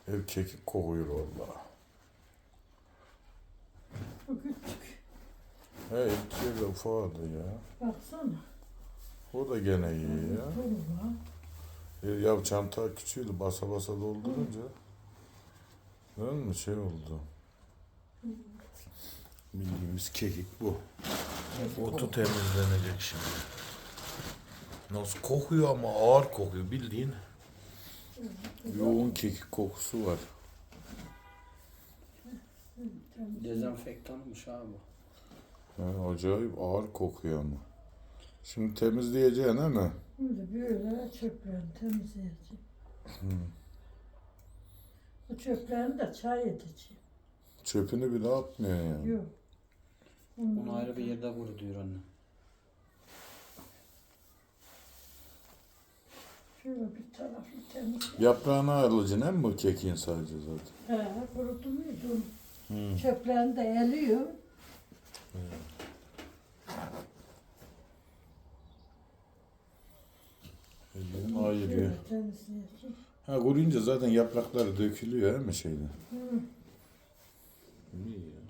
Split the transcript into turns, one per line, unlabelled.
Ev kekik kokuyor valla.
Bu küçük.
He ilk de ufadı ya.
Baksana.
O da gene iyi ya.
Dolu var.
Ya çanta küçüğüydü basa basa doldurunca. Değil mi şey oldu. Bildiğimiz kekik bu. Otu temizlenecek şimdi. Nasıl kokuyor ama ağır kokuyor bildiğin. Yoğun kekik kokusu var.
Dezenfektanmış abi.
Acayip ağır kokuyor ama. Şimdi temizleyeceksin değil mi?
Şimdi böyle çöplerini temizleyeceğim. Bu çöplerini de çay edeceğim.
Çöpünü bile atmıyor yani.
Yok.
Bunu ayrı bir yerde vur diyor anne.
Şöyle bir tarafı temizleyeceğim.
Yaprağını ayrılacaksın değil mi bu kekiğin sadece zaten?
Kurudu muydu? Çöplerini de eliyor.
Ellerin ayırıyor.
Şöyle temizleyeceğim.
Ha kuruyunca zaten yaprakları dökülüyor değil mi şeyden?
Hı.
İyi ya.